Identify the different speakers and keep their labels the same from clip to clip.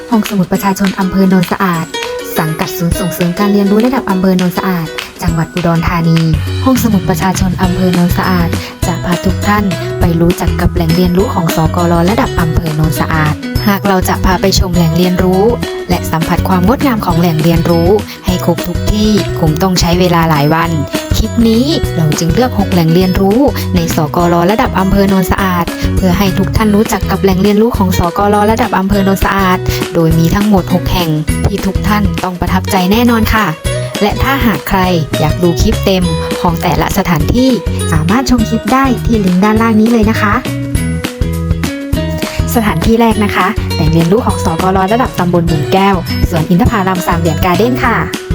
Speaker 1: ห้องสมุดประชาชนอำเภอโนนสะอาดสังกัดศูนย์ส่งเสริมการเรียนรู้ระดับอำเภอโนนสะอาดจังหวัดอุดรธานีห้องสมุดประชาชนอำเภอโนนสะอาดจะพาทุกท่านไปรู้จักกับแหล่งเรียนรู้ของสกล.ระดับอำเภอโนนสะอาดหากเราจะพาไปชมแหล่งเรียนรู้และสัมผัสความงดงามของแหล่งเรียนรู้ให้ครบทุกที่คงต้องใช้เวลาหลายวันคลิปนี้เราจึงเลือก6แหล่งเรียนรู้ในสกล.ระดับอำเภอโนนสะอาดเพื่อให้ทุกท่านรู้จักกับแหล่งเรียนรู้ของสกล.ระดับอำเภอโนนสะอาดโดยมีทั้งหมด6แห่งที่ทุกท่านต้องประทับใจแน่นอนค่ะและถ้าหากใครอยากดูคลิปเต็มของแต่ละสถานที่สามารถชมคลิปได้ที่ลิงก์ด้านล่างนี้เลยนะคะสถานที่แรกนะคะแหล่งเรียนรู้ของสกล.ระดับตำบลหมื่นแก้วสวนอินทผลัม3 เหรียญการ์เด้นค่ะ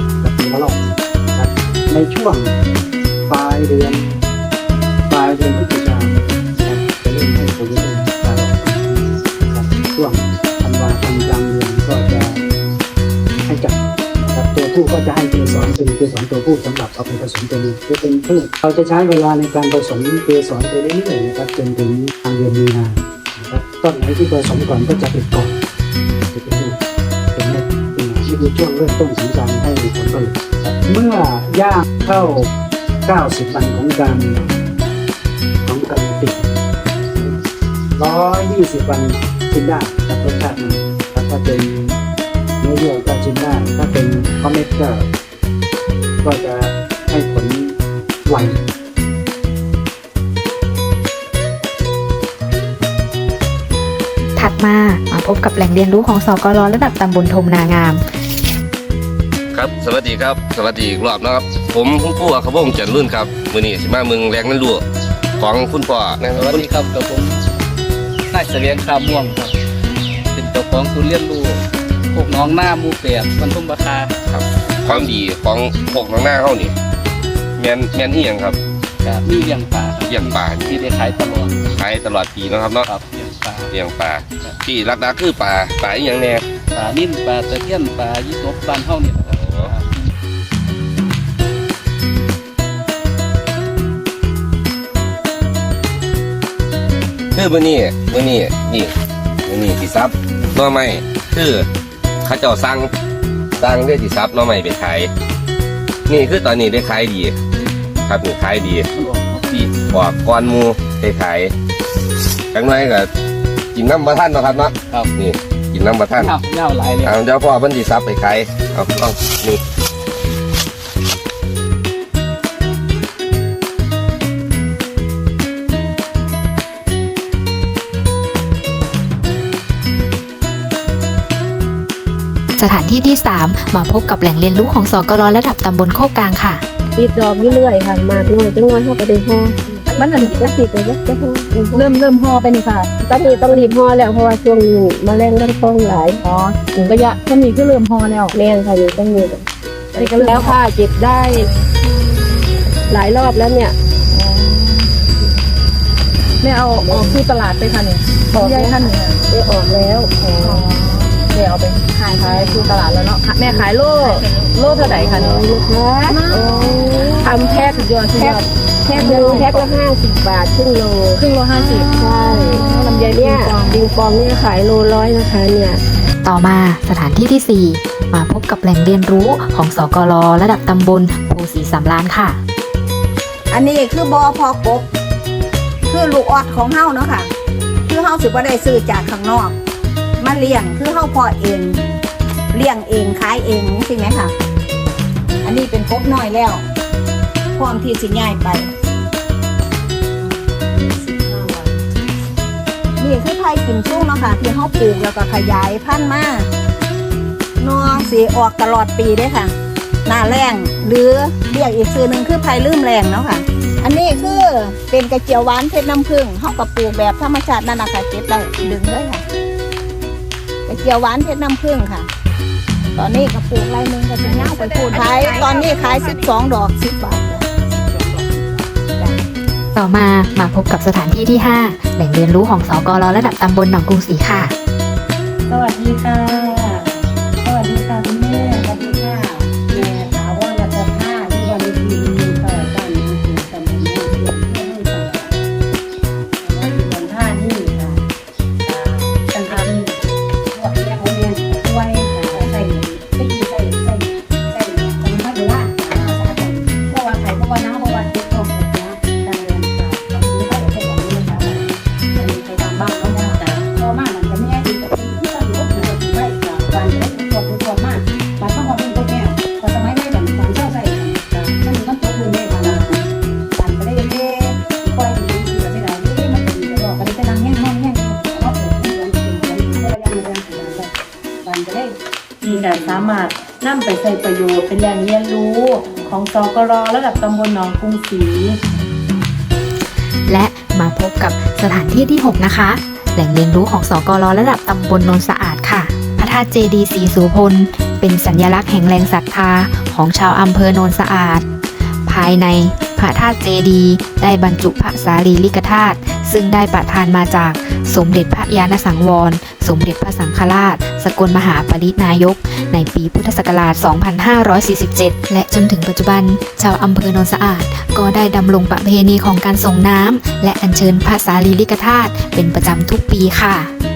Speaker 2: ในช่วงปลายเดือนพฤศจิกายนจะเริ่มให้ผลผลิตช่วงธันวาคมกลางเดือนก็จะให้จับตัวผู้ก็จะให้เกสรเป็นเกสรตัวผู้สำหรับเอาไปผสมตัวเมียจะเป็นพืชเราจะใช้เวลาในการผสมเกสรไปเรื่อยๆนะครับจนถึงกลางเดือนมีนานะครับต้นไหนที่ผสมก่อนก็จะติดก่อนจะเป็นลูกเป็นเม็ดนี่คือช่วงเริ่มต้นของการให้ผลผลิตเมื่อย่างเข้า90 วันของการติด120 วันชิมได้ครับรสชาติมันถ้าเป็นเนื้อเยื่อก็ชิมได้ถ้าเป็นคอมเมตก็จะให้ผลไว
Speaker 1: ถัดมาพบกับแหล่งเรียนรู้ของสกล.ระดับตำบลทมนางาม
Speaker 3: ครับสวัสดีครับสวัสดีอีกรอบนะครับผมคุณปู่ขบวงจันทร์รุ่นครับมื้อนี้สิมาเมืองแรงนั่นดูของคุณพ่อนะครับ
Speaker 4: สวัสดีครับกับผมนายเสวียงคาม่วงครับเป็นเจ้าของศูนย์เรียนรู้พวกน้องหน้าหมู่8บรรทุมราคา
Speaker 3: ครับความดีของพวกน้องหน้าเฮานี่แม่นอีหยังครับ
Speaker 4: มีเลี้ยงปลา
Speaker 3: เลี้ยงปลา
Speaker 4: ที่ได้ขายตล
Speaker 3: อดปีนะครับเนาะ
Speaker 4: ครับเลี้ยงปลา
Speaker 3: ที่รักๆคือปลาอีหยังแน่
Speaker 4: ปลานิ่มปลาตะเพียนปลายี่สบบ้านเฮานี่นะครับ
Speaker 3: คือมื้อนี้สิซับหน่อไม้คือเขาเจ้าสั่งได้สิซับหน่อไม้ไปขายนี่คือตอนนี้ได้ขายดีครับนี่ขายดีที่ออกก่อนหมู่ได้ขายจังได๋ก็กินน้ำบ่ทันเนาะครับเนาะ
Speaker 4: ครับ
Speaker 3: นี่กินน้ำบ่ทัน
Speaker 4: เน่าหลายเลย
Speaker 3: เดี๋ยวพ่อเพิ่นสิซับไปขายเอานี่
Speaker 1: สถานที่ที่ 3มาพบกับแหล่งเรียนรู้ของสกล.ระดับตำบลโคกกลางค่ะ
Speaker 5: ติดดอกเรื่อยๆค่ะมาด้วยจังหวะเขาไปได้ห่อมันอันก็ติดไปแล้วจะห่อเริ่มห่อไปนี่ค่ะตอนนี้ต้องรีบห่อแล้วเพราะว่าช่วงนี้แมลงก็ต้องหลาย
Speaker 6: ถึงระยะถ้ามีก็เริ่มห่อแล้ว
Speaker 5: แมงค่ะอยู่ต้องมีแล้วค่ะเจ็บได้หลายรอบแล้วเนี่ย
Speaker 6: ไม่เอาออกที่ตลาดไปค่ะเนี่ยใหญ่ท่านเนี่ย
Speaker 5: ได้ออกแล้ว
Speaker 6: แม่เอาไปขายที่ตลาดแล้วเนาะแม่ขายโลเท่าไหร่คะเนี่ย
Speaker 5: ลูกค้าทำแพ็คแพ็คละ50 บาทครึ่งโล
Speaker 6: 50
Speaker 5: ใช่
Speaker 6: ลำไย
Speaker 5: เนี่ยดิงปองเนี่ยขายโล100นะคะเนี่ย
Speaker 1: ต่อมาสถานที่ที่ 4มาพบกับแหล่งเรียนรู้ของสกล.ระดับตำบลโพสีสำราญค่ะ
Speaker 7: อันนี้คือบพกบคือลูกออดของเฮาเนาะค่ะคือเฮาสิบ่ได้ซื้อจากข้างนอกมาเลี้ยงคือเฮาพอเองเลี้ยงเองขายเองใช่ไหมค่ะอันนี้เป็นกบน้อยแล้วพร้อมที่สิย้ายไปนี่คือไผ่กิมซุ่งเนาะค่ะที่เฮาปลูกแล้วก็ขยายพันธุ์มาเนาะสิออกตลอดปีเด้ค่ะหน้าแล้งหรือเรียกอีกชื่อนึงคือไผ่ลืมแรงเนาะค่ะอันนี้คือเป็นกระเจียวหวานเพชรน้ำผึ้งเฮาก็ปลูกแบบธรรมชาตินั่นน่ะค่ะเก็บได้ดึงเลยค่ะกระเจียวหวานเพชรน้ำผึ้งค่ะตอนนี้ก็ปลูกไรนึงก็จะเน่าไปพูดขายตอนนี้ขาย12 ดอก10 บาท
Speaker 1: ต่อมาพบกับสถานที่ที่ 5แหล่งเรียนรู้ของสกล.ระดับตำบลหนองกรุงศรีค่ะ
Speaker 6: สวัสดีค่ะคุณแม่สวัสดีค่ะแม่ถาวรรัตนภาที่วันนี้ต่อบ้านนี้คือตำบลเมืองเพื่อนสวัสดีวันท่านี่ค่ะตั้งแต่ที่หัวแยกโรงเรียนก็สามารถนำไปใช้ประโยชน์เป็นแหล่งเรียนรู้ของสกรระดับตำบลหนองกรุงศรี
Speaker 1: และมาพบกับสถานที่ที่ 6 นะคะ แหล่งเรียนรู้ของสกรระดับตำบลโนนสะอาดค่ะ พระธาตุเจดีย์ศรีโสพลเป็นสัญลักษณ์แห่งแรงศรัทธาของชาวอำเภอโนนสะอาด ภายในพระธาตุเจดีย์ได้บรรจุพระสารีริกธาตุซึ่งได้ประทานมาจากสมเด็จพระญาณสังวร สมเด็จพระสังฆราช สกลมหาปรินายก ในปีพุทธศักราช 2547 และจนถึงปัจจุบัน ชาวอำเภอโนนสะอาดก็ได้ดำรงประเพณีของการส่งน้ำและอัญเชิญพระสารีริกธาตุเป็นประจำทุกปีค่ะ